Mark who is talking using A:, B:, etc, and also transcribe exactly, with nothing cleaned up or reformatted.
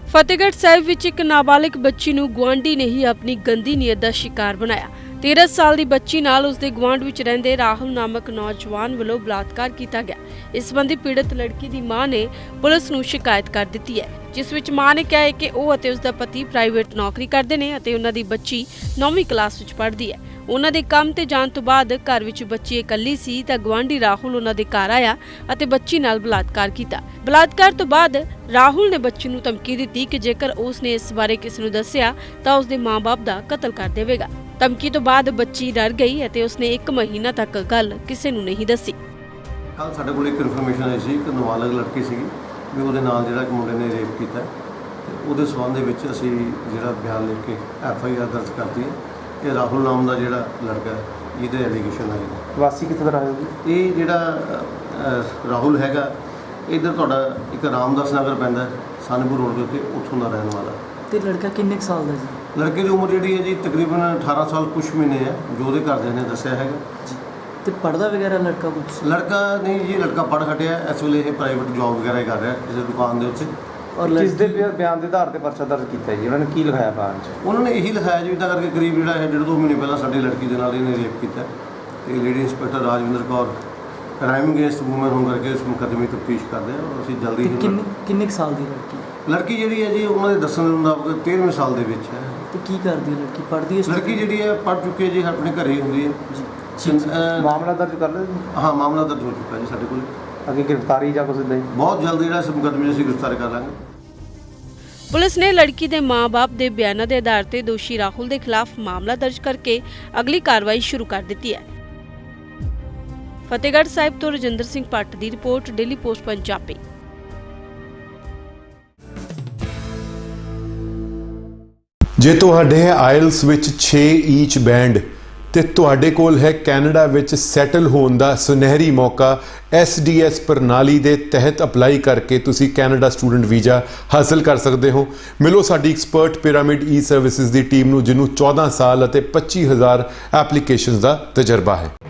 A: ਫਤਿਹਗੜ੍ਹ ਸਾਹਿਬ ਵਿੱਚ ਇੱਕ ਨਾਬਾਲਿਗ ਬੱਚੀ ਨੂੰ ਗੁਆਂਢੀ ਨੇ ਹੀ ਆਪਣੀ ਗੰਦੀ ਨੀਅਤ ਦਾ ਸ਼ਿਕਾਰ ਬਣਾਇਆ। तेरह साल की बच्ची नाल उसके गुआंढ विच रहिंदे राहुल नामक नौजवान वालों बलात्कार किया गया। इस संबंधी पीड़ित लड़की की मां ने पुलिस नूं शिकायत कर दी है, जिस विच मां ने कहा है कि वह अते उसका पति प्राइवेट नौकरी करते हैं अते उन्हां दी बच्ची नौवीं क्लास विच पढ़दी है। उन्हां दे काम ते जाण तो बाद घर विच बच्ची इकल्ली सी तां गुआंढी राहुल उन्हां दे घर आया अते बच्ची नाल बलात्कार किया। बलात्कार तो बाद राहुल ने बच्ची नूं धमकी दी कि जेकर उसने इस बारे किसी नूं दस्सिया तां उसदे मां बाप दा कतल कर देवेगा। धमकी तो बाद बच्ची डर गई और उसने एक महीना तक गल किसी नूं नहीं दसी।
B: कल साडे कोल एक इन्फॉर्मेशन आई सी कि नाबालिग लड़की सी भी उहदे नाल जिहड़ा मुंडे ने रेप कीता ते उहदे संबंध दे विच असीं जिहड़ा बयान लिख के एफ आई आर दर्ज करती है कि राहुल नाम का जिहड़ा लड़का है इहदे एलीगेशन है।
C: वासी कित्थों दा है जी?
B: ये जिहड़ा राहुल हैगा इधर तुहाडा एक रामदास नगर पैंदा सनपुर रोड के उत्ते उत्थों दा रहण वाला।
C: ते लड़का किन्ने साल दा जी?
B: लड़के की उम्र जी है जी तकरीबन अठारह साल कुछ महीने है जो उसके घरदे ने दस्सिया है।
C: तो पढ़दा वगैरह लड़का कुछ?
B: लड़का नहीं जी, लड़का पढ़ हटिया इस वे प्राइवेट जॉब वगैरह कर रहा है किसी दुकान के उत्ते।
C: और किस दे बयान के आधार पर परचा दर्ज किया जी? उन्होंने की लिखाया बयान च?
B: उन्होंने यही लिखाया जी इदा करके करीब जो है डेढ़ दो महीने पहले साडी लड़की के नाल इन्हें रेप किया तो lady inspector Rajvinder Kaur crime against women होने करके इस मुकदमे की तफ्तीश करते हैं और असीं जल्दी ही
C: किन्ने साल की लड़की?
B: लड़की जी है जी उन्होंने दस्सण दे मुताबिक तेरहवें साल के विच है।
C: तो की करती है लड़की? पढ़ती है
B: लड़की जी है पढ़ चुकी है जी अपने घर ही होंगी है।
C: मामला दर्ज कर लिया?
B: हाँ मामला दर्ज हो चुका है जी साडे कोल।
C: अगे गिरफ्तारी या कुछ नहीं?
B: बहुत जल्द जिहड़ा इस मुकदमे असीं गिरफ्तार कर लांगे।
A: पुलिस ने लड़की के माँ बाप के बयानों के आधार पर दोषी राहुल के खिलाफ मामला दर्ज करके अगली कार्रवाई शुरू कर दी है। फतेहगढ़ साहिब तो रजिंदर सिंह भट्ट की रिपोर्ट, डेली पोस्ट पंजाबी।
D: जे तुहाडे आइल्स विच छे ईच बैंड ते तुहाडे कोल है कैनेडा विच सैटल होने का सुनहरी मौका एस डी एस प्रणाली के तहत अपलाई करके तुसी कैनेडा स्टूडेंट वीज़ा हासिल कर सकते हो। मिलो साडी एक्सपर्ट पिरामिड ई सर्विसेज की टीम नूं जिन्होंने चौदह साल और पच्ची हज़ार एप्लीकेशन का तजर्बा है।